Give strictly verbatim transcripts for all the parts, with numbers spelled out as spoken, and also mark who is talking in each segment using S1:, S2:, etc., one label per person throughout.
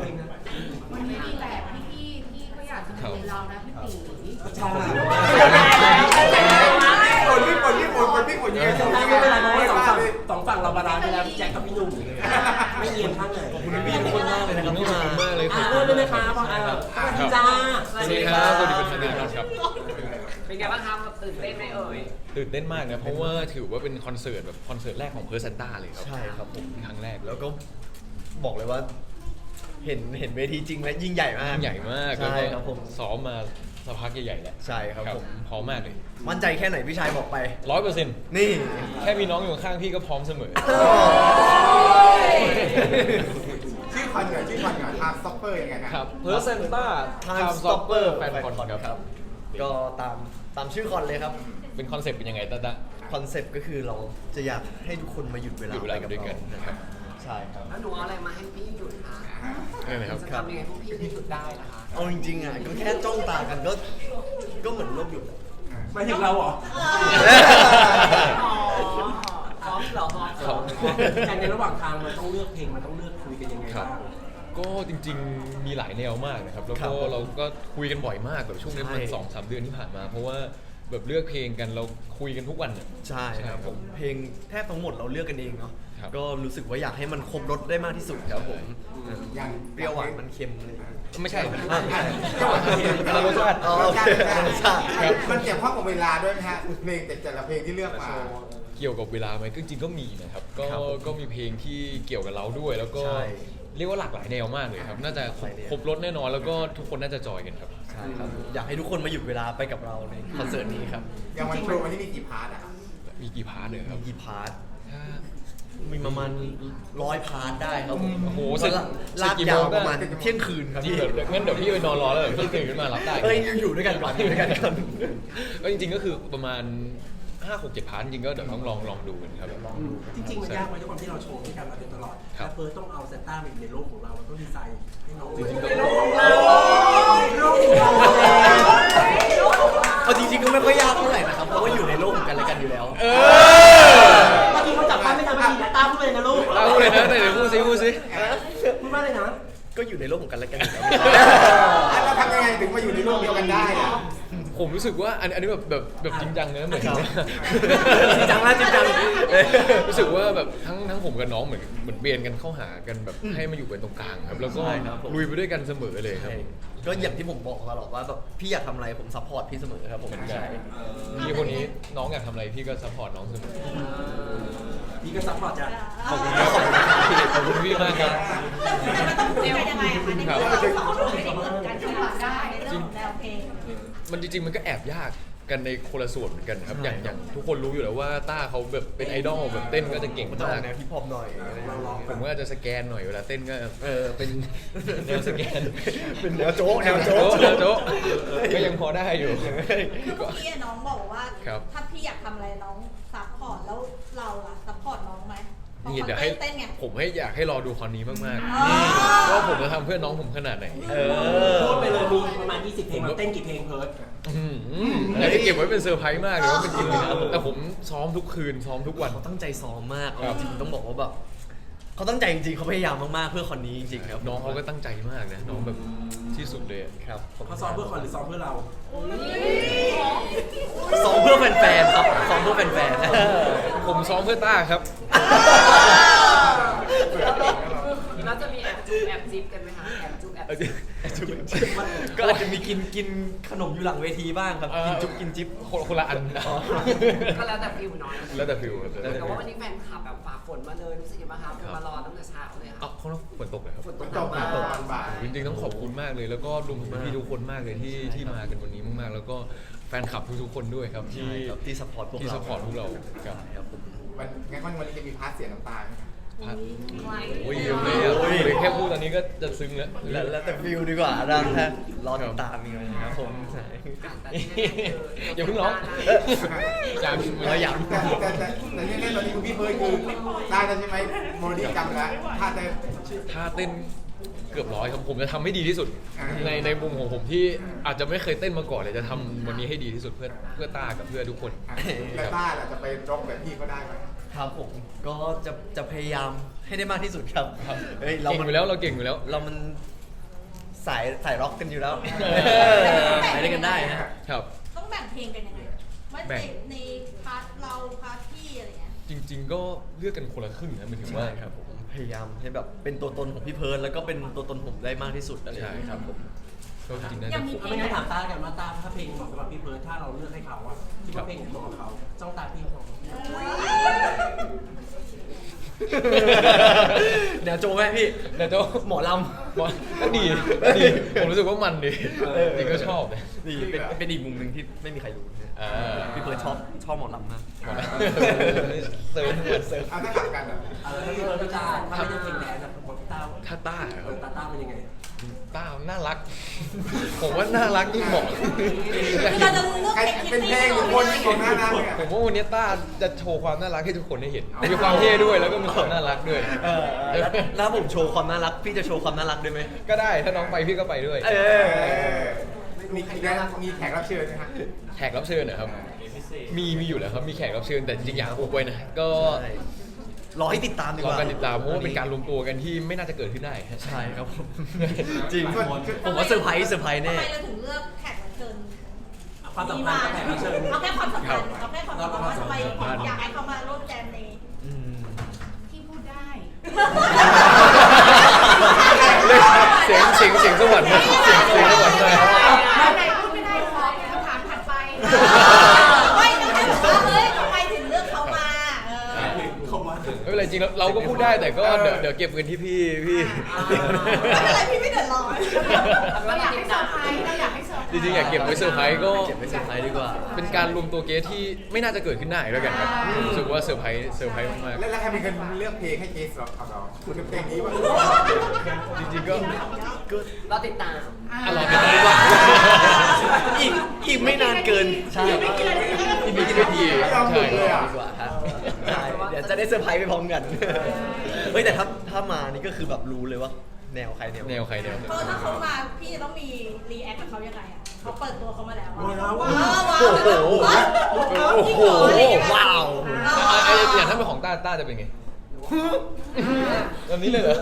S1: วันนี้มีแบบพี่ๆที่ก็อยากจะมาเรียนเรานะพี่ตี
S2: ใช่
S3: ปนพี่ปนพี่ปนปนพี่ปนยังไง
S2: ไม่เป็นไรเพราะว่าสองฝั่งสองฝั่งเราบาลานซ์ไปแล้วพี่แจ็คกับพี่หนุ่มไม่เอียงข้างไหนขอบคุณพี่ทุกคนมากเลยนะครับที่มา
S4: มากเลยขอบ
S2: เริ่
S4: คุ
S2: ม
S4: ณ
S2: เลยนะครับพ่ออาสวัสดีจ้า
S4: สวัสดีครับสวัสดีเป็นทางการครับ
S5: เป็นไงบ้างครับตื่นเต้นไหมเอ่ย
S4: ตื่นเต้นมากนะเพราะว่าถือว่าเป็นคอนเสิร์ตแบบคอนเสิร์ตแรกของเพอร์ซันต้าเลยครับ
S6: ใช่ครับผม
S4: ครั้งแรก
S6: แล้วก็บอกเลยว่า เห็นเห็นเวทีจริงและยิ่งใหญ่มาก
S4: ใหญ่มาก
S6: ใช่ครับผม
S4: ซ้อมมาสักพักใหญ่ๆแหละ
S6: ใช่ครับผม
S4: พร้อมมากเลย
S6: มั่นใจแค่ไหนพี่ชายบอกไป
S4: ร้อยเปอร์เซ็นต์
S6: นี่
S4: แค่มีน้องอยู่ข้างพี่ก็พร้อมเสมอ
S3: ชื่อคอนเหรอชื่อคอนเหรอทางซ็อปเปอร์ยังไงนะครับ
S4: เพอร์ซันต้า
S6: Time Stopper
S4: แฟนคอนค
S6: ค
S4: รั
S6: รับ บ ก็ตามตามชื่อคอนเลยครับ
S4: เป็นคอนเซ็ปต์เป็นยังไงตาตา
S6: คอนเซปต์ก็คือเราจะอยากให้ทุกคนมาหยุดเวลา
S4: หยุดเวลา
S6: ไปกับ
S4: ด้วยกั
S6: เรา
S4: นนะครับ
S6: ใช่ครับ
S5: แล้วหนูเอาอะไรมาให้พี่หยุดคะ
S4: นี่นะครับ
S5: จะทำยังไงพวกพี่ให้หยุดได้ล่ะคะ
S6: เอาจริงๆอ่ะก็แค่จ้องตากันก็ก็เหมือนโลกหยุดอะ
S2: หมายถึงเราเหรอ
S5: อ๋อพร้อมเหรอพร้อม
S4: ครับ
S2: การในระหว่างทางมันต้องเลือกเพลงมันต้องเลือกคุยกันยังไง
S4: ครับ
S2: บ้าง
S4: ก็จริงๆมีหลายแนวมากนะครับแล้ว
S6: ครั
S4: ก็
S6: บ
S4: เราก็คุยกันบ่อยมากแบบช่วงนี้มัน
S6: ใช่
S4: สองสามเดือนที่ผ่านมา เพราะว่าแบบเลือกเพลงกันเราคุยกันทุกวันน่ะ
S6: ใช่ครับผมเพลงแทบทั้งหมดเราเลือกกันเองเนาะ
S4: ครับ
S6: ก็รู้สึกว่าอยากให้มันครบรสได้มากที่สุดครับผม
S3: อย่าง
S6: เปรี้ยวหวานมันเค็มเลย
S4: ไม่ใช่
S6: อ่าไม่ใช่
S4: คนละรสชาติ
S6: อ๋อโอเครสชาติ
S4: ครับ
S3: มันเกี่ยวข้องกับเวลาด้วยไหมฮะเพลงแต่ละเพลงที่เลือกมา
S4: เกี่ยวกับเวลาไหมก็จริงๆก็มีนะครับก็
S6: ครับผม
S4: ก็มีเพลงที่เกี่ยวกับเราด้วย แล้วก็
S6: ใช่
S4: เรียกว่าหลากหลายแนวมากเลยครับ น่าจะครบ
S6: หลายแนว
S4: ครบรถแน่นอนแล้วก็ทุกคนน่าจะจอยกันครับ
S6: ใช่ครับอยากให้ทุกคนมาหยุดเวลาไปกับเราในคอนเสิร์ตนี้ครับ
S3: อย่างวันโชว์วันนี้มีกี่พาร์ทอะครับ
S4: มีกี่พาร์ทเลยครับ
S6: มีกี่พาร์ท
S4: ถ้า
S6: มีประมาณร้อยพาร์ทได้ครับผม
S4: โอ้โหเสร็จ
S6: ลาก
S4: เสร็จ
S6: ลาก
S4: กี่
S6: ยาว
S4: โมง
S6: ประมาณ
S4: ได้
S6: เที่ยงคืนครับ
S4: จริง
S6: พี่
S4: เหรองั้นเดี๋ยวพี่ไปนอนรอแล้วเดี๋ยวพี่ตื่นขึ้นมารับได้
S6: เอ้ยอยู่ด้วยกันก่อนอยู่ด้วยกันก่อน
S4: ก็จริงๆก็คือประมาณห้าหกเจ็ดพาร์ทจริงๆก็เดี๋ยวต้องลองลองดูกันครับ
S2: จริงๆมันยากไหมด้วยความที่เราโชว์ด้วยกันมาโดยตลอด
S4: ครับ
S2: แล้วเฟิร์สต้องเอาเซนต้ามาอยู่ในโลกของเราเราต้องดีไซน์ให้น้อง
S4: จริงๆก็
S2: โลกของเราโลกของเรา
S6: เอาจริงๆก็ไม่ค่อยยากเท่าไหร่นะครับเพราะว่าอยู่ในโลกของกันและกันอยู่แล้ว
S4: เออ
S2: เมื่อกี้เขาจับป้าไม่ทำไม่ดีนะตาพูดเลยนะลูก
S4: เอาเลยนะไหนเดี๋ยวพูดซิพูดซิ
S2: พูดว่าอะไรนะ
S6: ก็อยู่ในโลกของกันและกันอยู่แล้ว
S3: แล้วทำยังไงถึงมาอยู่ในโลกเดียวกันได้อะ
S4: ผมรู้สึกว่าอันอันนี้แบบแบบแบบจริงจังนะเหมือน
S6: ครับ
S4: จริงจังนะจริงจัง
S6: เออ
S4: รู้สึกว่าแบบทั้งทั้งผมกับน้องเหมือนเหมือนเบียนกันเข้าหากันแบบให้มาอยู่กันตรงกลางครับ แล้วก็
S6: ใช่ครับผม
S4: ลุยไปด้วยกันเสมอเลยครับ
S6: ใช่ก็อย่างที่ผมบอกตลอดว่าแบบพี่อยากทำอะไรผมซัพพอร์ตพี่เสมอครับผมใช่
S4: พี่คนนี้น้องอยากทำอะไรพี่ก็ซัพพอร์ตน้องเสมอ
S2: พี่ก็ซัพพอร์ตจ้ะ
S4: ขอบคุณครับขอบคุณพี่มากครับ
S1: เรียนยังไงอะคะใน
S4: ครับ
S1: เรื่องเราสองคนไม่ได้เหมือนกันที่มาได้ในเรื่องของแนวเพลง
S4: มันจริงๆมันก็แอบยากกันในคนละส่วนเหมือนกันครับ
S6: ใช่
S4: อย่างอย่างทุกคนรู้อยู่แล้วว่าต้าเขาแบบเป็นไอดอลแบบเต้นก็จะเก่ง
S6: มันจะอ
S4: มา
S6: อก กแนวฮิปฮอปหน่อยอะไรอย่างเงี้ย
S4: ผมก็จะสแกนหน่อยเวลาเต้นก็เออเป็นแนวสแกน
S6: เป็นแนวโจ๊กแนวโจ๊ก
S4: แนวโจ๊กก็ยังพอได้อยู่
S1: คือเมื่อกี้น้องบอกว่า
S4: ครับ
S1: ถ้าพี่อยากทำอะไรน้องซัพพอร์ตแล้วเราล่ะซัพพอร์ตน้องไหม
S4: นี่เดี๋ยวให้
S1: เต้นไง
S4: ผมให้อยากให้รอดูคอนนี้มาก
S1: อ๋อ
S4: ๆว่าผมจะทำเพื่อน้องผมขนาดไหน
S6: เออ
S2: พูดไปเลยมีประมาณยี่สิบเพลงเราเต้นกี่เพลงเพิร์ด
S4: อืมอยากให้เก็บไว้เป็นเซอร์ไพรส์มากเลยว่าเป็นจริงเลยนะแต่ผมซ้อมทุกคืนซ้อมทุกวัน
S6: เขาตั้งใจซ้อมมาก
S4: ครับ
S6: จริงๆต้องบอกว่าแบบเขาตั้งใจจริงๆเขาพยายามมากๆเพื่อคอนนี้จริงๆครับ
S4: น้องเขาก็ตั้งใจมากนะน้องแบบที่สุดเลยอะ
S6: ครับ
S2: เขาซ้อมเพื่อคอนหรือซ้อมเพื่อเรา
S6: ซ้อมเพื่อแฟนๆครับซ้อมเพื่อแฟนๆนะ
S4: ผมซ้อมเพื่อต้าครับ
S5: แล้วจะมีแอบจุ๊บแอบจิ๊บกันไหมคะแอบจุ๊บแอบจิ๊บ
S6: ก็อาจจะมีกินกินขนมอยู่หลังเวทีบ้างครับ
S4: เอ่อ
S6: กินจุ๊บกินจิ๊บ
S4: คนคนละอัน
S5: ก็แล้วแต่ฟิลเน้อย
S4: แล้วแต่ฟิลครับ
S5: แต่ว่าวันนี้แฟนคลับแบบฝ่าฝนมาเลยรู้สึกยังไงบ้างคะมารอตั้งแต่เช้าเลยค่ะ
S4: เอ้าเขาฝนตกเลยครับ
S5: ฝนต
S3: มั
S5: ก
S3: น
S5: ห
S3: ต
S5: นั
S3: ก
S5: ก
S3: มา
S5: มา
S3: ตก
S5: ก
S3: มันบ่าย
S4: จริงๆต้องขอบคุณมากเลย แล้วก็รวมถึงพี่ๆทุกคนมากเลยที่
S6: ใช่ครับ
S4: ที่มากันวันนี้มากๆ แล้วก็แฟนคลับทุกๆคนด้วยครับที่
S6: ใช่ครับที่ซัพพอร์ตพวกเรา
S4: ที่ซัพพอร์ตพวกเราครับ
S6: ครับผม
S3: มันงั้นวันนี้จะมีพาร์ทเสียน้ำตาไหมครับ
S4: พัดโอ้ยเยอะเลยอ่ะ
S6: โอ้ย
S4: แค่พูดตอนนี้ก็จะซึ้งแล้ว
S6: แล้วแล้วแต่ฟิลดีกว่าดังฮะรอติดตามอีกนะครับผมใช่
S5: แต่ที่แน่ๆคือ
S4: อย่าเพิ่งร้องอยาก
S6: เราอยาก
S3: แต่แต่แต่แต่ที่แน่ๆตอนนี้คุณพี่เพิร์ดคือได้แล้วใช่ไหมโมเดลจำแล้วถ้าได้
S4: ท่าเต้นเกือบร้อยครับผมจะทำให้ดีที่สุด
S3: อ่า
S4: ในในมุมของผมที่อาจจะไม่เคยเต้นมาก่อนเลยจะทำวันนี้ให้ดีที่สุดเพื่อเพื่อต้ากับเพื่อทุกคน
S3: อ่ะแล้วต้าล่ะจะไปร็อกแบบพี่เขาได้ไหม
S6: ครับผมก็จะจะพยายามให้ได้มากที่สุดครับเฮ้ยเรา
S4: เก่ง
S6: มัน
S4: อยู่แล้วเราเก่งอยู่แล้ว
S6: เรามันสายสายร็อกกันอยู่แล้ว
S5: เออ
S6: ไปด้วยกันได้ฮะ
S4: ครับ
S5: ต้องแบ่งเพลงกันยังไงว่า
S4: แบ่
S5: ใน
S4: ง
S5: ในพาร์ทเราพาร์ทพี่อะไรเงี้ย
S4: จริง ๆ ก็เลือกกันคนละครึ่งนะหมายถึงว่า
S6: ใช่ครับผมพยายามให้แบบเป็นตัวตนของพี่เพิร์นแล้วก็เป็นตัวตนผมได้มากที่สุดอะไรอ
S4: ใช่
S6: ย่างเงี้ย
S4: ครับผมก็จริงๆน่า
S5: ยั
S4: จะ
S5: งมี
S2: เอาไม่งั้นถามตากันว่าตาถ้าเพลงเหมาะสำหรับพี่เพิร์ดถ้าเราเลือกให้เขาอะคิดว่าเพลงไหนเหมาะกับเขาจ้องตาพี่เขา
S6: เดี๋ยวโจไหมพี่
S4: แต่เจ้า
S6: หมอล
S4: หมอก็ดีก็ดีผมรู้สึกว่ามันดีจริงก็ชอบเลย
S6: ำนี่เป็นเป็นอีกมุมหนึ่งที่ไม่มีใครรู้นะ
S4: อ่า
S6: พี่เพิร์นชอบชอบหมอลำมาก
S4: หมอลำเซิร์ฟเหมือนเซิร์ฟ
S3: เอาถ้ากลับกันอ่ะ
S2: เออถ้าพี่เพิร์ดพี่ตาถ้าไม่ได้เพลงแดนอะผมตา
S4: ถ้าต้าค
S2: เอ
S4: รับ
S2: อตาตาเป็นยังไง
S4: ต้าน่ารัก ผมว่าน่ารักยิ่งเหมาะ
S5: คือเราจะเลือก
S3: ใคร
S5: เพลง
S3: เป็นเพลงหรือคนที่คนหน้าหน้าเนี่ย
S4: ผมว่าวันนี้ต้าจะโชว์ความน่ารักให้ทุกคนได้เห็น มีความเท่ด้วยแล้วก็มีความน่ารักด้วย
S6: เออแล้วแล้วผมโชว์ความน่ารักพี่จะโชว์ความน่ารักด้วยไหม
S4: ก็ได้ถ้าน้องไปพี่ก็ไปด้วย
S6: เออ
S3: เออมีมีแขกรับเชิญไหมฮะ
S4: แขกรับเชิญนะครับ มีมีอยู่แล้วครับ มีแขกรับเชิญแต่จริงๆอยากอุบไว้นะ ก็
S6: ใช่รอให้ติดตามดีก
S4: รอ
S6: ว่า
S4: การติดตามเพราะว่าเป็นการรวมตัวกันที่ไม่น่าจะเกิดขึ้นได้ฮะ
S6: ใช่ครับผม จริง
S3: ส่วน
S6: ผมว่าเซอร์ไพรส์เซอร์ไพรส์แน่
S5: ทำไมเราถึงเลือกแขกรับเชิญ
S2: ความสัมพันธ์กับแขกรับเชิญ
S5: เอาแค่ความสัมพันธ์เอาแค่ความสัมพันธ์ว่าทำไมอยากให้เขามาร่วมแจมใน
S6: อืม
S1: ที่พูดได้
S4: เสียงเสียงเสียงสวรรค์นะเสียงเสียงสวรรค์เลย
S1: ไหนพูดไม่ได้ขอคำถามถัดไป
S5: ไม่ต้องให้บอกว่าเฮ้ยทำไมถึงเลือกเขามาเออ
S2: เขามา
S4: ไม่เป็นไรจริงๆเราก็พูดได้แต่ก็เดี๋ยวเดี๋ยวเก็บเงินที่พี่พี่
S5: ไม่เป็นไรพี่ไม่เดือดร้อน
S1: เราอยากให้เซอร์ไพรส์เราอยากให้เซอร์ไพร
S4: จ
S1: ส์
S4: ริงๆอยากเก็บไว้เซอร์ไพรส์ก็
S6: เก็บไว้เซอร์ไพรส์ดีกว่า
S4: เป็นการรวมตัวเกสที่ไม่น่าจะเกิดขึ้นได้ด้วยกันครับรู้สึกว่าเซอร์ไพรส์เซอร์ไพรส์มาก
S3: แล้วแล้วใครเป็นคนเลือกเพลงให้เกสของเราคุณเพลงนี้ว่า
S4: ๆจริงๆก็
S7: เราติดตาม
S4: อร่อยกันดีกว่า
S6: อีกอีกไม่นานเกิน ใช่
S4: อีกไม่กี่นาที
S3: ไม่ยอมหยุดเลยอ่ะ
S6: ดีกว่าครับใช่เดี๋ยวจะได้เซอร์ไพรส์ไปพร้อมกัน เฮ้ยแต่ถ้าถ้ามานี่ก็คือแบบรู้เลยว่า แนวใครแนว
S4: แนวใครแนว
S5: เพราะถ้าเขามาพี่จะต้องมีรีแอคกับเขายังไงอ่ะเขาเปิดตัวเขามาแล้ว
S2: ว้าว
S5: ว้าวว้าว
S6: โอ้โห
S5: โอ้โห
S6: ว้าว
S4: อ่ะอ่ะอย่างถ้าเป็นของต้าต้าจะเป็นไงแบบนี้เลยเหรอ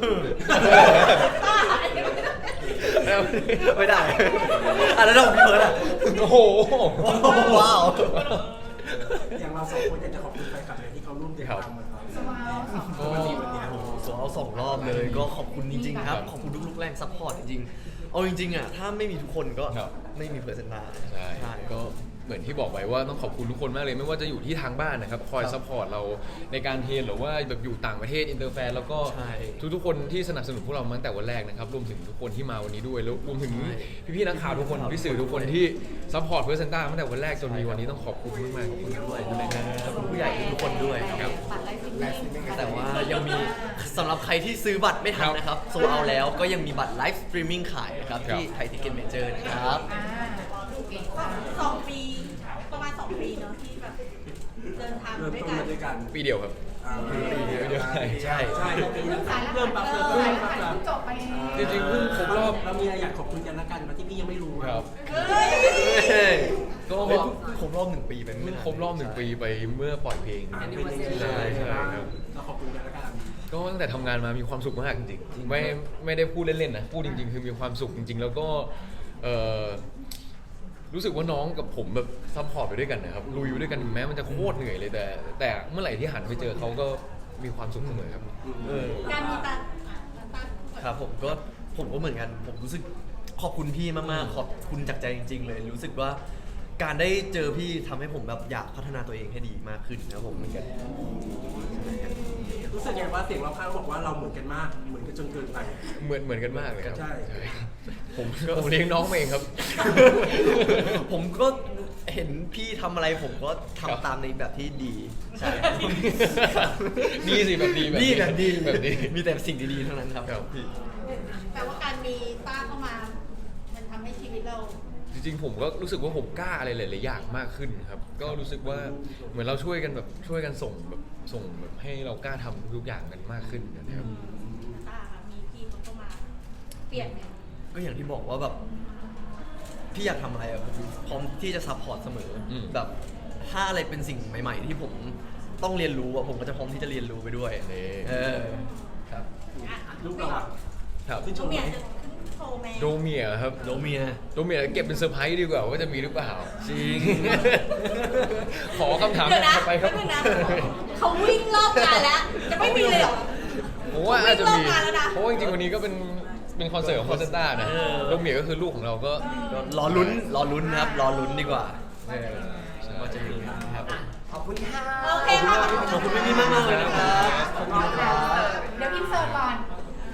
S6: ไม่ได้อ่ะแล้วของพี่เพิร์ดอ่ะ
S4: โอ้โห
S6: ว้าว
S2: อย่างเราสองคนอยากจะขอบคุณแฟนคลับเลยที่เขาร่วมเดินทางมาเรา
S1: สวาวสอง
S4: ก็
S2: วันนี้วันนี้
S6: โอ้โหสวเอาสองรอบเลยก็ขอบคุณจริง ๆ ครับ ขอบคุณทุกๆแรงซัพพอร์ตจริงๆ เอาจริงๆอ่ะถ้าไม่มีทุกคนก็
S4: ครับ
S6: ไม่มีเพอร์เซนต์นา
S4: ใช่ก็เหมือนที่บอกไปว่าต้องขอบคุณทุกคนมากเลยไม่ว่าจะอยู่ที่ทางบ้านนะครับคอยซัพพอร์ตเราในการเทรนหรือว่าแบบอยู่ต่างประเทศอินเตอร์แฟนแล้วก็
S6: ใช่
S4: ทุกๆคนที่สนับสนุนพวกเรามาตั้งแต่วันแรกนะครับรวมถึงทุกคนที่มาวันนี้ด้วยแล้วรวมถึงพี่ๆนักข่าวทุกคนพี่สื่อทุกคนที่ซัพพอร์ตเพอร์เซนต้าตั้งแต่วันแรกจนมีวันนี้ต้องขอบคุณมากๆขอบคุณด้วยนะครับ
S6: ขอบคุณผู้ใหญ่ทุกคนด้วยครับ
S1: บัตรไลฟ์ฟิตเนส
S6: แต่ว่ายังมีสำหรับใครที่ซื้อบัตรไม่ทันนะครับโซเอาแล้วก็ยังมีบัตรไลฟ์สตรีมมิ่งขายนะครับที่ไทยทิเก็ตเมเจอร์นะครับ
S1: อ่าเก่งมาก
S5: สองปีประมาณสองปีเนาะที่แบบเดินทาง
S2: เริ่ม
S5: ด้วย
S2: ต้น
S5: กัน
S2: มาด้วยกัน
S4: ปีเดียวครับ
S2: อ่า
S4: ปีเดียวเดียวใช่
S6: ใช่
S2: ใช่
S1: เริ่มสายแล้ว
S2: เริ่มปรับเริ่ม
S1: เอ
S2: ป
S1: อ
S2: รับ
S1: สาย
S2: ปรับ
S1: แล้วจบไป
S4: จริงๆเพิ่งครบรอบ
S2: เรามีอะไรอยากขอบคุณกันละกันมาที่พี่ยังไม่รู้
S4: ครับ
S5: เฮ้ย
S4: ก็
S6: เฮ้ยครบรอบหนึ่งปีไป
S4: เพิ่
S6: ไม่
S4: ง
S6: นาน
S4: ครบรอบหนึ่งปีไปเมื่อปล่อยเพลง
S2: อ่าเป็นยังไง
S4: ใช่ใช่ครับ
S2: เราขอบคุณกันละกัน
S4: ก็ตั้งแต่ทำงานมามีความสุขมากจริงๆไม่ไม่ได้พูดเล่นๆนะพูดจริง ๆ คือมีความสุขจริง ๆ แล้วก็เอ่อรู้สึกว่าน้องกับผมแบบซัพพอร์ตไปด้วยกันนะครับลุยไปด้วยกันถึงแม้มันจะโคตรเหนื่อยเลยแต่ แต่เมื่อไหร่ที่หันไปเจอเขาก็มีความสุขเสมอครับ
S6: เออ
S5: การมีตาตา
S6: ครับผมก็ผมก็เหมือนกัน ผมรู้สึกขอบคุณพี่มากๆขอบคุณจากใจจริง ๆ เลย รู้สึกว่าการได้เจอพี่ทำให้ผมแบบอยากพัฒนาตัวเองให้ดีมากขึ้นนะครับผมเหมือนกัน
S2: รู้สึกไงว่าเสียงเราข้างบอกว่าเราเหมือนกันมากเหมือนกันจนเกินไป
S4: เหมือนเหมือนกันมากเลยครับ
S2: ใช่
S4: ผมก็ผมเลี้ยงน้องมาเองครับ
S6: ผมก็เห็นพี่ทำอะไรผมก็ทำ
S4: ครับ
S6: ตามในแบบที่ดีใช่
S4: ดีสิแบบดีแบบ
S6: ดีแบบดี
S4: แบบดี
S6: มีแต่สิ่งดีๆเท่านั้นครับ
S4: ครับ
S6: พี่
S5: แปลว่าการมีต้าเข้ามา มันทำให้ชีวิตเรา
S4: จริงๆผมก็รู้สึกว่าผมกล้าอะไรหลายๆอย่างมากขึ้นครับ ก็รู้สึกว่าเหมือนเราช่วยกันแบบช่วยกันส่งแบบส่งแบบให้เรากล้าทำทุกๆอย่างกันมากขึ้นนะครับ
S5: ต้าค่ะมีพี่เขาเข้ามา เปลี่ยนไหม
S6: ก็อย่างที่บอกว่าแบบพี่อยากทำอะไรอะผมพร้อมที่จะซัพพอร์ตเสมออ
S4: ม
S6: แบบถ้าอะไรเป็นสิ่งใหม่ ๆ ที่ผมต้องเรียนรู้อะผมก็จะพร้อมที่จะเรียนรู้ไปด้วย
S4: นี่
S6: เออครับ
S2: ลูกเราอะ
S4: ครับ
S2: ขึ้นช
S5: น้อง
S2: ม
S5: เมีย
S2: ไหม
S5: จะโชว์แม
S4: โดเมียครับ
S6: โดเมีย
S4: โดเมียเก็บเป็นเซอร์ไพรส์ดีกว่าว่าจะมีหรือเปล่า
S6: จริง
S4: ขอคำถาม
S5: เดี๋ยวนะ
S4: ถัดไปครับ
S5: แป๊บนึงนะเขาวิ่งรอบงานแล้ว จะไม่มีเลยเหรอ
S4: ผมว่าอาจจะมี
S5: วิ่งรอบงานแล้วนะ
S4: เพราะว่าจริงๆวันนี้ก็เป็นเป็นคอนเสิร์ตของคอนเซนต้านะ
S6: เออ
S4: โดเมียก็คือลูกของเราก็
S6: ก็รอลุ้นรอลุ้นครับรอลุ้นดีกว่า
S4: เออใช่
S6: ว่าจะมีครับ
S7: ขอบคุณค่ะ
S5: โอเคค่ะ
S6: ขอบคุณพี่ๆมากๆเลยนะครับ
S7: ขอบคุณครับ